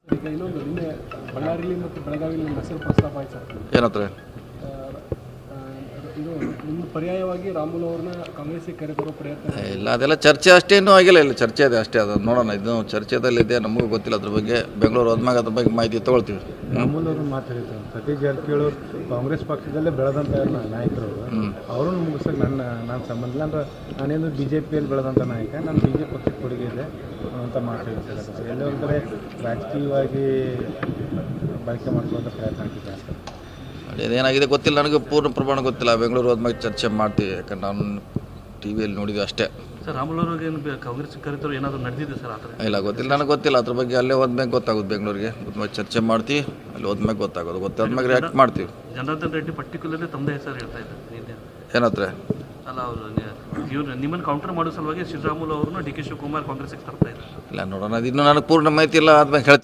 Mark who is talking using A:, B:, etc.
A: ಈಗ ಇನ್ನೊಂದು ನಿನ್ನೆ ಬಳ್ಳಾರಿಯಲ್ಲಿ ಮತ್ತು ಬೆಳಗಾವಿಯಲ್ಲಿ ನಿಮ್ಮ ಹೆಸರು ಪ್ರಸ್ತಾಪ ಆಯ್ತು ಸರ್.
B: ಏನತ್ರ
A: ಇದು ನಿಮ್ಮ ಪರ್ಯಾಯವಾಗಿ ರಾಮುಲು ಅವ್ರನ್ನ ಕಾಂಗ್ರೆಸ್ಸಿಗೆ ಕರೆತರೋ ಪ್ರಯತ್ನ
B: ಇಲ್ಲ, ಅದೆಲ್ಲ ಚರ್ಚೆ ಅಷ್ಟೇನೂ ಆಗಿಲ್ಲ. ಇಲ್ಲ, ಚರ್ಚೆ ಇದೆ ಅಷ್ಟೇ. ಅದು ನೋಡೋಣ, ಇದು ಚರ್ಚೆದಲ್ಲಿದೆ, ನಮಗೂ ಗೊತ್ತಿಲ್ಲ ಅದ್ರ ಬಗ್ಗೆ. ಬೆಂಗಳೂರು ಹೋದ್ಮ್ಯಾಗ ಅದ್ರ ಬಗ್ಗೆ ಮಾಹಿತಿ ತೊಗೊಳ್ತೀವಿ.
C: ರಾಮುಲು ಅವರು ಮಾತಾಡಿದ್ರು, ಸತೀಶ್ ಜಾರಕಿಹೊಳಿ ಕಾಂಗ್ರೆಸ್ ಪಕ್ಷದಲ್ಲೇ ಬೆಳೆದಂಥ ನಾಯಕರು, ಅವ್ರನ್ನ ಮುಗಿಸೋಕೆ ನನ್ನ ಸಂಬಂಧ ಇಲ್ಲ. ಅಂದ್ರೆ ನಾನೇನು BJPಯಲ್ಲಿ ಬೆಳೆದಂಥ ನಾಯಕ, ನಾನು BJP ಪಕ್ಷಕ್ಕೆ ಕೊಡುಗೆ ಇದೆ ಅಂತ ಮಾತಾಡಿದ್ದಾರೆ. ಎಲ್ಲೋ ಒಂದು ಕಡೆ ರಾಜಕೀಯವಾಗಿ ಬಳಕೆ ಮಾಡ್ಕೊಳ್ಳೋಂಥ ಪ್ರಯತ್ನ ಆಗ್ತಿದೆ.
B: ಅದೇನಾಗಿದೆ ಗೊತ್ತಿಲ್ಲ, ನನಗೆ ಪೂರ್ಣ ಪ್ರಮಾಣ ಗೊತ್ತಿಲ್ಲ. ಬೆಂಗಳೂರು ಹೋದ್ಮ್ಯಾಗ ಚರ್ಚೆ ಮಾಡ್ತೀವಿ, ಯಾಕಂದ್ರೆ ನಾನು TV ಯಲ್ಲಿ ನೋಡಿದ್ವಿ ಅಷ್ಟೇ.
D: ಸರ್, ರಾಮುಲು ಅವ್ರಿಗೆ ಕಾಂಗ್ರೆಸ್ ಕರೆತರು ಏನಾದರೂ ನಡೆದಿದೆ ಸರ್? ಆ ಥರ
B: ಇಲ್ಲ, ಗೊತ್ತಿಲ್ಲ, ನನಗೆ ಗೊತ್ತಿಲ್ಲ ಅದ್ರ ಬಗ್ಗೆ. ಅಲ್ಲೇ ಹೋದ್ಮ್ಯಾಗ ಗೊತ್ತಾಗೋದು, ಬೆಂಗಳೂರಿಗೆ ಹೋದ್ಮ್ಯಾಗ ಚರ್ಚೆ ಮಾಡ್ತೀವಿ, ಅಲ್ಲಿ ಹೋದ್ಮ್ಯಾಗ ಗೊತ್ತಾಗೋದು. ಗೊತ್ತಾದ್ಮ್ಯಾಗ ರಿಯಾಕ್ಟ್ ಮಾಡ್ತೀವಿ.
D: ಜನಾರ್ದನ್ ರೆಡ್ಡಿ ಪರ್ಟಿಕ್ಯುಲರ್ಲಿ ತಮ್ಮದೇ ಹೆಸರು ಹೇಳ್ತಾ ಇದ್ದಾರೆ.
B: ಏನತ್ರ
D: ಅಲ್ಲ, ಅವರು ನಿಮ್ಮನ್ನು ಕೌಂಟರ್ ಮಾಡೋ ಸಲುವಾಗಿ ಶ್ರೀರಾಮುಲು ಅವ್ರನ್ನ DK ಶಿವಕುಮಾರ್ ಕಾಂಗ್ರೆಸ್ಗೆ ತರ್ತಾ ಇದ್ದಾರೆ.
B: ಇಲ್ಲ, ನೋಡೋಣ, ಅದು ಇನ್ನೂ ನನಗೆ ಪೂರ್ಣ ಮಾಹಿತಿ ಇಲ್ಲ, ಆದ್ಮೇಲೆ ಹೇಳ್ತೀನಿ.